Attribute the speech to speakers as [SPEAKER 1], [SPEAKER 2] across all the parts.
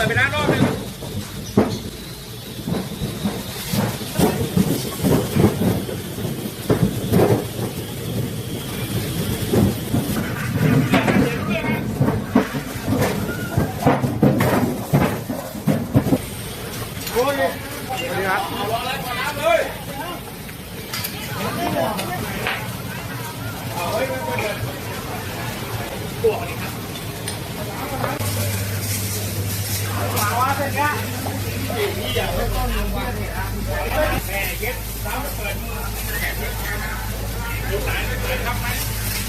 [SPEAKER 1] ดไปแล้วรอบนึงโอ้ยนี่ครับเอาวางแล้ววางน้ำเลยเอาไว้ไม่เปิดตัวนี้ครับวางว่าเสร็จแล้วนี่อย่างไม่ต้องลงวางเลยครับแม่เย็ดน้ำเปิดแขนดูสายไม่เปิดครับไหม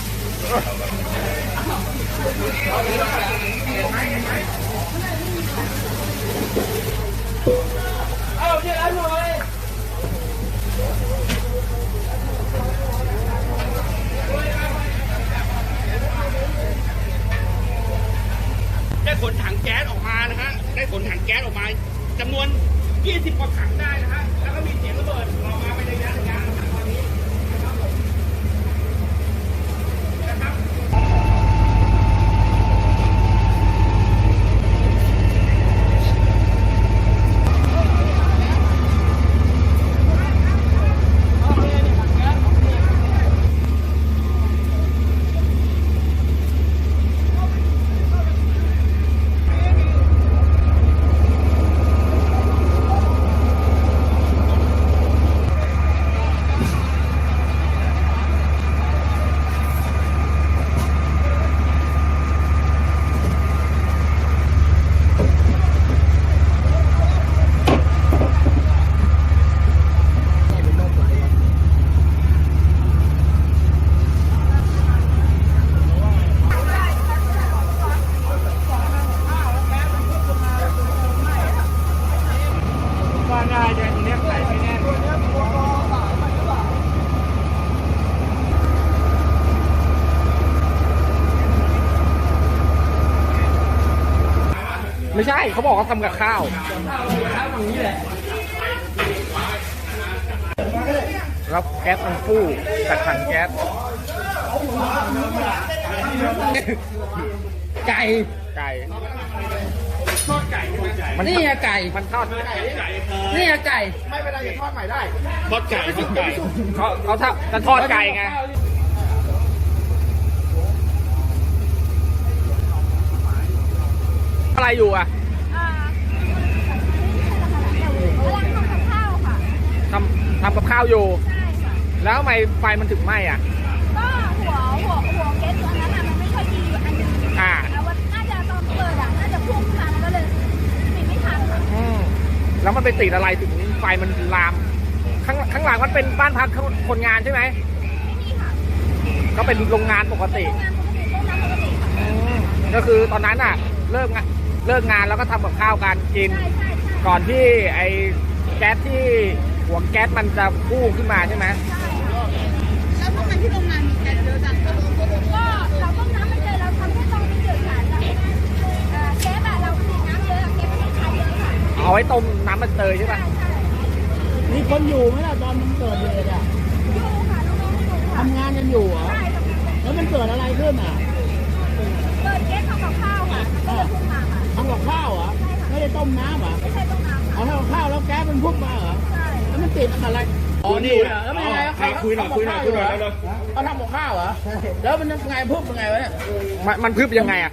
[SPEAKER 1] เอาเยอะหน่อยได้ขนถังแก๊สออกมานะฮะได้ขนถังแก๊สออกมาจำนวน20 กว่าถังได้นะฮะแล้วก็มีเสียงระเบิดออกมาเป็นระยะนะตอนนี้นะครับผมนะครับไม่ใช่เขาบอกเขาทำกับข้าวตรงนี้แหละแล้วแก๊สมันฟู่จากถังแก๊สไก่ทอดไก่นี่ไงไก่มันทอดนี่ไงไก่ไม่เป็นไรอย่าทอดใหม่ได้ทอดไก่เขาจะทอดไก่ไงอะไรอยู่อ่ะทำกับข้าวอยู่แล้วทำไมไฟมันถึงไหม้อ่ะ
[SPEAKER 2] ก็หัวเก๊สตัวนั้นมันไม่ค่อยดีอันนึงแล้วน่าจะตอนเปิดน่าจะพุ่งขึ้นมาแล้วก็เลยปิดไม่ทัน
[SPEAKER 1] แล้วมันไปติดอะไรถึงไฟมันลามข้างหลังมันเป็นบ้านพักคนงานใช่ไหม
[SPEAKER 2] ไม่มีค่ะ
[SPEAKER 1] ก็เป็นโรงงานปกติก็คือตอนนั้นอ่ะเลิกงานแล้วก็ทำกับข้าวกันกินก่อนที่ไอ้แก๊สที่หัวแก๊สมันจะพุ่งขึ้นมาใช่ไหม
[SPEAKER 2] แล้วทำไมที่โรงงานมีแก๊สเยอะจังก็เราต้มน้ำมันเจอเราทำให้ตรงนี้เดือดค่ะแก๊สอะเราผลิตน้ำเยอะแก๊สไม่ได้ใช้เยอะค่ะ
[SPEAKER 1] เอาไว้ต้มน้ำมันเตยใช่ไหม
[SPEAKER 3] มีคนอยู่ไหมล่ะตอนมันเกิดเหตุอ่ะ
[SPEAKER 2] อยู่ค่ะน้องๆอยู่ค่ะ
[SPEAKER 3] ทำงานกันอยู่เหรอแล้วมันเกิดอะไรขึ้นอ่ะ
[SPEAKER 2] เกิดแก๊สทำกับข้าวค่ะก็เลยพุ่งมาค่ะ
[SPEAKER 3] ทำกับข้าวเหรอไม่ได้ต้มน้ำเหรอ
[SPEAKER 2] ไม่ใช่ต้มน้ำ
[SPEAKER 3] เอาทำกับข้าวแล้วแก๊สมันพุ่งมาเหรอ
[SPEAKER 2] ใช่
[SPEAKER 3] แล้วมันติดอะไร
[SPEAKER 1] อ๋อนี่
[SPEAKER 3] แล้วมันยังไง
[SPEAKER 1] คุยหน่อยเลย
[SPEAKER 3] เขาทำกับข้าวเหรอแล้วมันยังไงพุ่งยังไงวะเนี่ย
[SPEAKER 1] มันพึบยังไงอ่ะ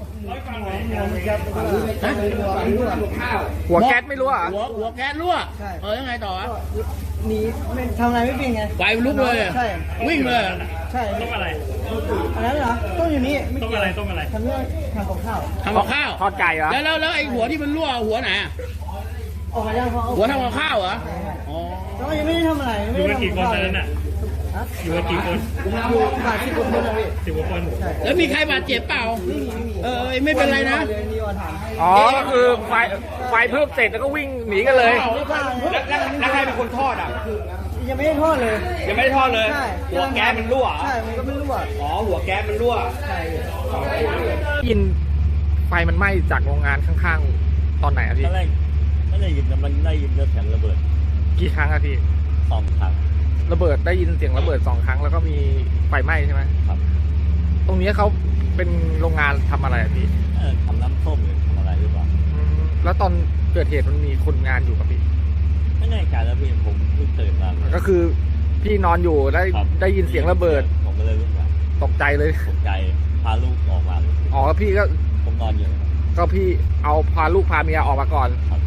[SPEAKER 1] หัวแก๊สไม่รู้อ่ะ
[SPEAKER 3] หัวแก๊สรั่วยังไงต่อ
[SPEAKER 4] หนีไม่ทำอะไรไม่เป็นไง
[SPEAKER 3] ไฟลุกเลย
[SPEAKER 4] ใช่
[SPEAKER 3] วิ่งเลย
[SPEAKER 4] ใช่
[SPEAKER 5] ต้มอะไร
[SPEAKER 4] อันนั้นเหรอต้มอยู่นี่
[SPEAKER 5] ต้มอะไร
[SPEAKER 4] ทำเรื่องทำกับข้าว
[SPEAKER 1] ทอดไก่เหรอ
[SPEAKER 3] แล้วไอ้หัวที่มันรั่วหัวไหน
[SPEAKER 4] ออกมายัง
[SPEAKER 3] หัวทำกับข้าวเหรอ
[SPEAKER 4] อ๋อแล้วยังไม่ได้ทำอะไร
[SPEAKER 5] อยู่กันกี่คนตอนนั้นน่ะอยู่กันกี่คน
[SPEAKER 4] อยู่บาด10 คนนะพี่
[SPEAKER 5] 10 กว่าคน
[SPEAKER 3] แล้วมีใครบาดเจ็บเปล่าไม่เป็นไรนะ
[SPEAKER 1] อ๋อก็คือไฟเพิ่มเสร็จแล้วก็วิ่งหนีกันเลยแล้วใครเป็นคนทอดอ่ะ
[SPEAKER 4] ยังไม่ได้ทอดเลย
[SPEAKER 1] หัวแก๊สมันรั่ว
[SPEAKER 4] ใช่มันก็ไม่รั่ว
[SPEAKER 1] อ๋อหัวแก๊สมันรั่ว
[SPEAKER 4] ใช่
[SPEAKER 1] ยินไฟมันไหม้จากโรงงานข้างๆตอนไหนอะพี่
[SPEAKER 5] ไม่ได้ยินมันได้ยินเสียงระเบิด
[SPEAKER 1] กี่ครั้งอะพี่
[SPEAKER 5] 2 ครั้ง
[SPEAKER 1] ระเบิดได้ยินเสียงระเบิด2 ครั้งแล้วก็มีไฟไหม้ใช่ไหม
[SPEAKER 5] ครับ
[SPEAKER 1] ตรงนี้เขาเป็นโรงงานทำอะไรอะพี่
[SPEAKER 5] ทำน้ำส้มหรือทำอะไรหรือเปล่า
[SPEAKER 6] แล้วตอนเกิดเหตุมันมีคนงานอยู่กับพี่
[SPEAKER 5] ไม่แน่ใจแล้วพี่ผมเพิ่งตื่นมา
[SPEAKER 6] ก็คือพี่นอนอยู่ได้ยินเสียงระเบิด
[SPEAKER 5] ผมก็เลยลุกมา
[SPEAKER 6] ตกใจเลย
[SPEAKER 5] ตกใจพาลูกออกมาเลย
[SPEAKER 6] อ๋อแล้วพี่ก็
[SPEAKER 5] ผมนอนอยู่นะครับ
[SPEAKER 6] พี่เอาพาลูกพาเมียออกมาก่อน
[SPEAKER 5] ครับ